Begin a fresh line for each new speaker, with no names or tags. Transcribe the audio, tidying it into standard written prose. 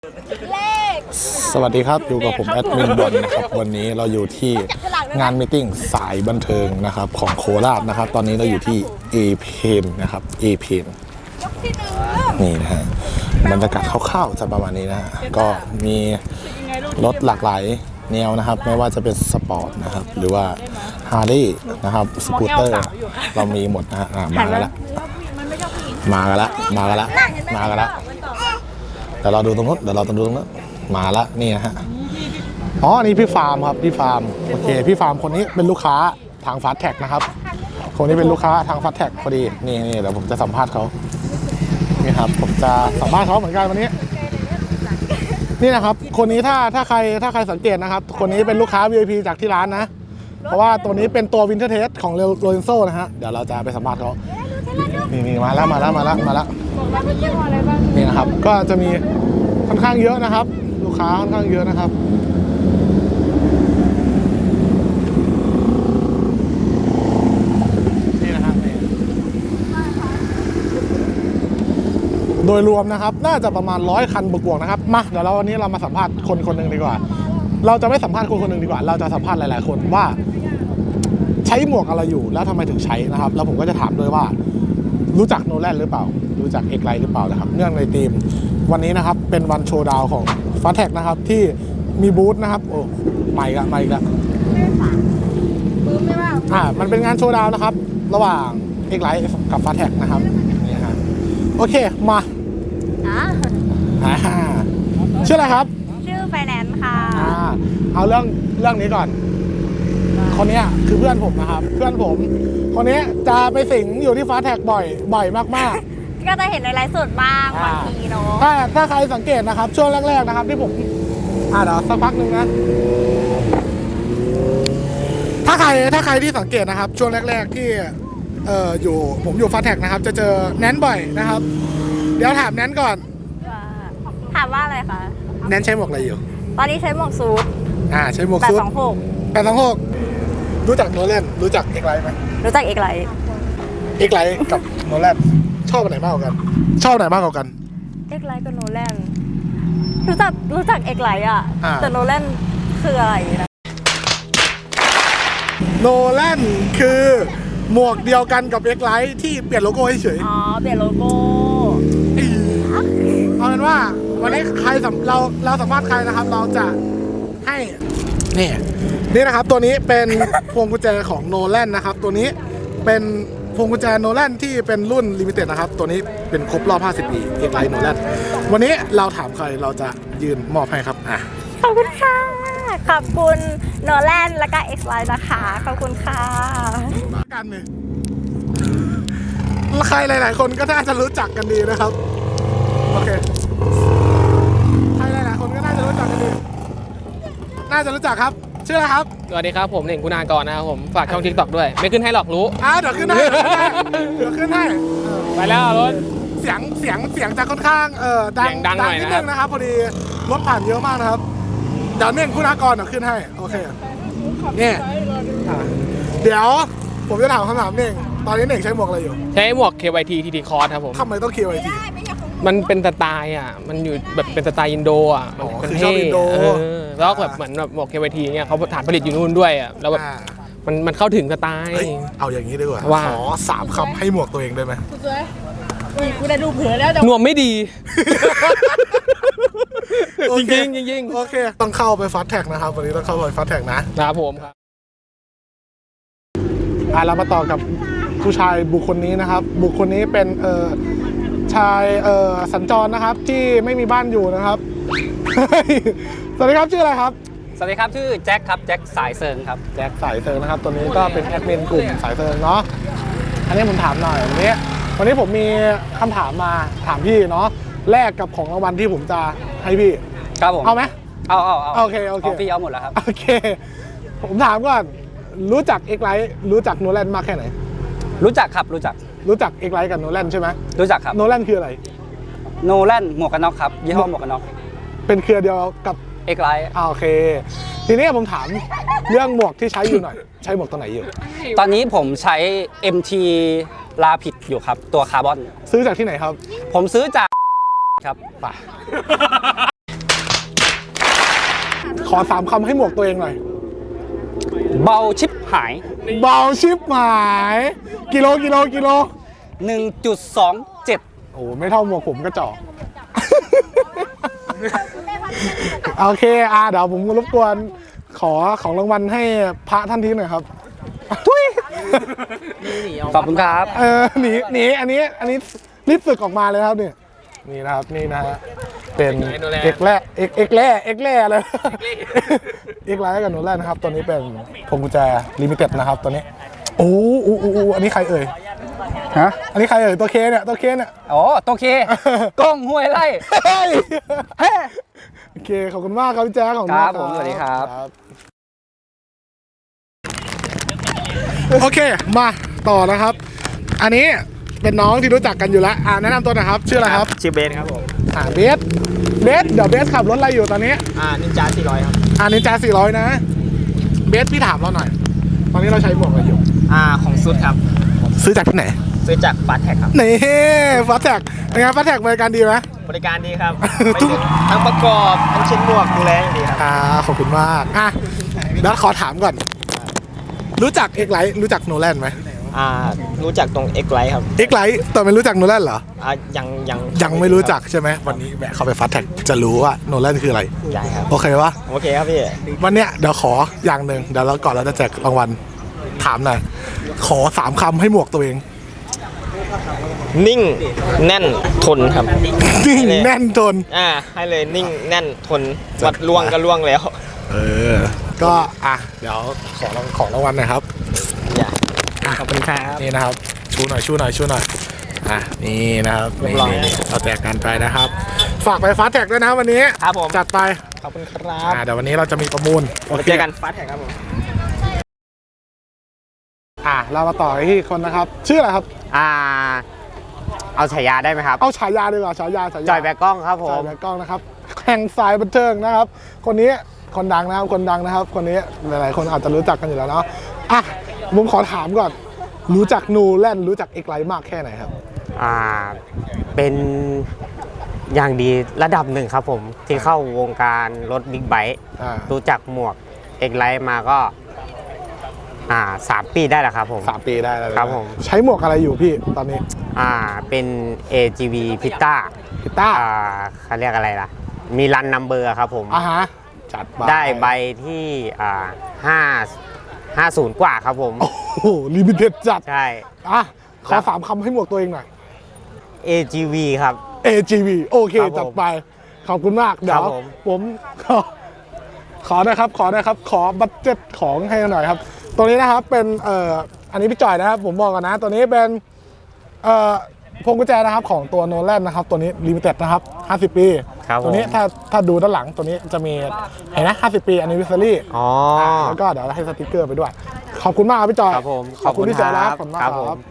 เลข
สวัสดีครับอยู่กับผมแอดมินบอลนะครับวันนี้เราอยู่ที่งานมีตติ้งสายบันเทิงนะครับของโคราชนะครับตอนนี้เราอยู่ที่เอเพนนะครับเอเพนนี่นะฮะบรรยากาศคร่าวๆจะประมาณนี้นะฮะก็มีรถหลากหลายแนวนะครับไม่ว่าจะเป็นสปอร์ตนะครับหรือว่าฮาร์ลีนะครับสกูตเตอร์เรามีหมดนะฮะมากันละมากันละมากันละมากันละเดี๋ยวเราดูตรงนู้นมาละนี่นะฮะอ๋อนี่พี่ฟาร์มครับพี่ฟาร์มโอเคพี่ฟาร์มคนนี้เป็นลูกค้าทางฟาสแท็กนะครับคนนี้เป็นลูกค้าทางฟาสแท็กพอดีนี่เดี๋ยวผมจะสัมภาษณ์เขานี่ครับผมจะสัมภาษณ์เขาเหมือนกันวันนี้นี่นะครับคนนี้ถ้าใครสังเกตนะครับคนนี้เป็นลูกค้า VIP จากที่ร้านนะเพราะว่าตัวนี้เป็นตัววินเทอร์เทสของโรเลนโซ่นะฮะเดี๋ยวเราจะไปสัมภาษณ์เขานี่มาแล้วนี่นะครับก็จะมีค่อนข้างเยอะนะครับลูกค้าค่อนข้างเยอะนะครับนี่นะครับโดยรวมนะครับน่าจะประมาณ100 คันบวกๆนะครับมาเดี๋ยววันนี้เรามาสัมภาษณ์คนหนึ่งดีกว่าเราจะไม่สัมภาษณ์คนหนึ่งดีกว่าเราจะสัมภาษณ์หลายๆคนว่าใช้หมวกอะไรอยู่แล้วทำไมถึงใช้นะครับแล้วผมก็จะถามด้วยว่ารู้จักโนแลนหรือเปล่ารู้จักเอกไลท์หรือเปล่านะครับเนื่องในทีมวันนี้นะครับเป็นวันโชว์ดาวของฟาสแท็กนะครับที่มีบูธนะครับโอ้มาอีกแล้วมันเป็นงานโชว์ดาวนะครับระหว่างเอกไลท์กับฟาสแท็กนะครับนี่ฮะโอเคมาชื่ออะไรครับ
ชื่อไฟแนนซ์ค่ะ
เอาเรื่องนี้ก่อนคนนี้คือเพื่อนผมนะครับเพื่อนผมคนนี้จะไปสิงอยู่ที่ฟาสแท็กบ่อยมากๆ
ก็จะเห็นในไลฟ์สดบ้างบางทีเนาะ
ถ้าใครสังเกตนะครับช่วงแรกๆนะครับที่ผมเดี๋ยวสักพักหนึ่งนะถ้าใครที่สังเกตนะครับช่วงแรกๆที่ผมอยู่ฟาสแท็กนะครับจะเจอแนนบ่อยนะครับเดี๋ยวถามแนนก่อน
ถามว่าอะไรคะ
แนนใช้หมวกอะไรอยู่
ตอนนี้ใช้หมวกซูท
ใช้หมวกซูท826รู้จักโนแลนรู้จักเอกไลท์ไหม
รู้จักเอกไลท์
กับโนแลนชอบอันไหนมากกว่ากันชอบไหนมากกว่ากัน
เอกไลท์กับโนแลนรู้จักเอกไลท์แต่โนแลนคืออะไรนะ
โนแลนคือหมวกเดียวกันกับเอกไลท์ที่เปลี่ยนโลโก้เฉย
เปลี่ยนโลโก้
เอาเป็นว่าวันนี้ใครเราสัมภาษณ์ใครนะครับเราจะให้นี่นะครับตัวนี้เป็นพวงกุญแจของโนแลนนะครับตัวนี้เป็นพวงกุญแจโนแลนที่เป็นรุ่นลิมิเต็ดนะครับตัวนี้เป็นครบรอบ50 ปีเอกไลท์โนแลนวันนี้เราถามใครเราจะยืนมอบให้ครับ
ขอบคุณค่ะขอบคุณโนแลนและก็เอกไลท์นะคะขอบคุณค่ะ
มากันเลยใครหลายๆคนก็น่าจะรู้จักกันดีนะครับโอเคใครหลายๆคนก็น่าจะรู้จักกันดีน่าจะรู้จักครับชื่ออะไรครับ
สวัสดีครับผมเน่งคุณากรนะครับผมฝากช่อง TikTok ด้วยไม่ขึ้นให้หรอกรู้
เดี๋ยวขึ้นให้
ไปแล้วรถ
เสียงจะค่อนข้างดังหน่อยนิดนึงนะครับพอดีรถผ่านเยอะมากนะครับเดี๋ยวเน่งคุณากรขึ้นให้โอเคนี่เดี๋ยวผมจะถามคำถามเน่งตอนนี้เน่งใช้หมวกอะไรอยู่
ใช้หมวก KYT TT Cross ครับผม
ทำไมต้อง KYT
มันเป็นสไตล์มันอยู่แบบเป็นสไตล์อินโด
มันเท่
แล้วแบบเหมือนแบบหมวก KYT เนี่ยเขาฐานผลิตอยู่นู่นด้วยแล้วแบบมันเข้าถึงสไตล์
เอาอย่างนี้ดีกว่าขอ3 คำให้หมวกตัวเองได้ไหม
กูได้ดูเผื่อแล้ว
หนวมไม่ดีจริง
โอเคต้องเข้าไปฟาสแท็กนะครับวันนี้ต้องเข้าไปฟาสแท็ก
นะครับผมครับ
เรามาต่อกับผู้ชายบุคคลนี้นะครับบุคคลนี้เป็นชายสัญจรนะครับที่ไม่มีบ้านอยู่นะครับสวัสดีครับชื่ออะไรครับ
สวัสดีครับชื่อแจ็คครับแจ็คสายเซิงครับ
แจ็คสายเซิงนะครับตัวนี้ก็เป็นแอดมินกลุ่มสายเซิงเนาะอันนี้ผมถามหน่อยวันนี้ผมมีคำถามมาถามพี่เนาะแลกกับของรางวัลที่ผมจะให้พี่
ครับผม
เอาไหม
เอา
โอเค
พี่เอาหมดแล้วครับ
โอเคผมถามก่อนรู้จักเอกไลท์รู้จักโนแลนมากแค่ไหน
รู้จักครับรู้จัก
เอกไลท์กับโนแลนใช่ไหม
รู้จักครับ
โนแลนคืออะไร
โนแลนหมวกกันน็อกครับยี่ห้อหมวกกันน็อก
เป็นเครือเดียวกับ
เอกไลท์
โอเคทีนี้ผมถามเรื่องหมวกที่ใช้อยู่หน่อยใช้หมวกตัวไหนอยู่
ตอนนี้ผมใช้ MT ลาผิดอยู่ครับตัวคาร์บอน
ซื้อจากที่ไหนครับ
ผมซื้อจากครับ
ป่ะขอ3คำให้หมวกตัวเองหน่อย
เบาชิบหาย
เบาชิบหายกิโล
1.27
โอ้ไม่เท่าหมวกผมก็จอก โอเคเดี๋ยวผมรบกวนขอของรางวัลให้พระท่านทีหน่อยครับทุย
ขอบคุณครับ
หนีอันนี้รีบสึกออกมาเลยครับนี่นะครับนี่นะฮะเป็นเอกแร่เลยเอกไลท์กับโนแลนนะครับตัวนี้เป็นพวงกุญแจลิมิเต็ดนะครับตัวนี้โอ้อันนี้ใครเอ่ยฮะอันนี้ใครเอ่ยตัวเคเนี่ย
อ๋อโอเค กล้องห้วยไร่
โอเคขอบคุณมากครับพี่แจ๊คของ
ครับผมสวัสดีครับ
โอเคมาต่อนะครับอันนี้เป็นน้องที่รู้จักกันอยู่แล้วแนะนำตัวหน่อยครับชื่ออะไรครับ
ชื่อเบสครับผม
เบสเดี๋ยวเบสขับรถอะไรอยู่ตอนนี้
นินจา400ครับ
นินจา400นะเบสพี่ถามเราหน่อยตอนนี้เราใช้หมวกอะไรอยู่
ของซุดครับ
ซื้อจากที่ไหน
ซื้อจากฟาสแท็กครับ
นี่ฟาสแท็กเป็นไงฟาสแท็กบริการดีไหม
บริการดีครับทั้งประกอบทั้งเช็ดหมวกดูแลอย่างดีครับ
ขอบคุณมากแล้วขอถามก่อนรู้จักเอกไลท์รู้จักโนแลนไหม
รู้จักตรงเอ็กไลท์ครับ
เอ็กไลท์แต่ไม่รู้จักโนแลนเหรอยังไม่รู้จักใช่ไหมวันนี้แวะเข้าไปฟาสแท็กจะรู้ว่าโนแลนคืออะไร
ใช่ครับ
โอเควะ
โอเคครับพี่
วันเนี้ยเดี๋ยวขออย่างหนึ่งเดี๋ยวเราก่อนเราจะแจกรางวัลถามหน่อยขอ3คำให้หมวกตัวเอง
นิ่งแน่นทนครับ
นิ่งแน่นทน
ให้เลยนิ่งแน่นทนวัดล่วงก็ล่วงแล้ว
ก็เดี๋ยวขอรางวัลหน่อยครับ
ขอบคุณครับ
นี่นะครับชูหน่อยนี่นะครับนี่เราแจกกันไปนะครับฝากไปฟาสแท็กด้วยนะวันนี้
ครับผม
จัดไป
ขอบคุณครับ
เดี๋ยววันนี้เราจะมีประมูล
เจอกันฟาสแท็กครับผม
เรามาต่อที่คนนะครับชื่ออะไรครับ
เอาฉายาได้ไหมครับ
เอาฉายาดีกว่าฉายา
จอยแบกกล้องครับผม
จอยแบกกล้องนะครับแข่งสายบันเทิงนะครับคนนี้คนดังนะครับคนนี้หลายๆคนอาจจะรู้จักกันอยู่แล้วเนาะผมขอถามก่อนรู้จักโนแลนรู้จักเอกไลท์มากแค่ไหนครับ
เป็นอย่างดีระดับหนึ่งครับผมที่เข้าวงการรถบิ๊กไบค์รู้จักหมวกเอกไลท์มาก็3 ปีได้แล้วครับผม
3 ปีได้แล้ว
ครับผม
ใช้หมวกอะไรอยู่พี่ตอนนี้
เป็น AGV พิต้าเขาเรียกอะไรล่ะมีรันนัมเบอร์ครับผม
จัด
ได้ใบที่50 กว่าครับผม
โอ้โหลิมิเต็ดจัด
ใช่
ขอ3คำให้หมวกตัวเองหน่อย
AGV ครับ
AGV โอเคจัดไปขอบคุณมากเดี๋ยวผมขอนะครับขอบัดเจ็ตของให้หน่อยครับตัวนี้นะครับเป็นอันนี้พี่จ่อยนะครับผมบอกก่อนนะตัวนี้เป็นพวงกุญแจนะครับของตัวโนแลนนะครับตัวนี้ลิมิเต็ดนะครับ50 ปีตัวนี้ถ้าดูด้านหลังตัวนี้จะมีเห็นนะ50 ปีanniversaryแล้วก็เดี๋ยวให้สติ๊กเกอร์ไปด้วยขอบคุณมากครับพี่จอย
ขอบคุณ
พี่จอยครับขอบคุณมากครับ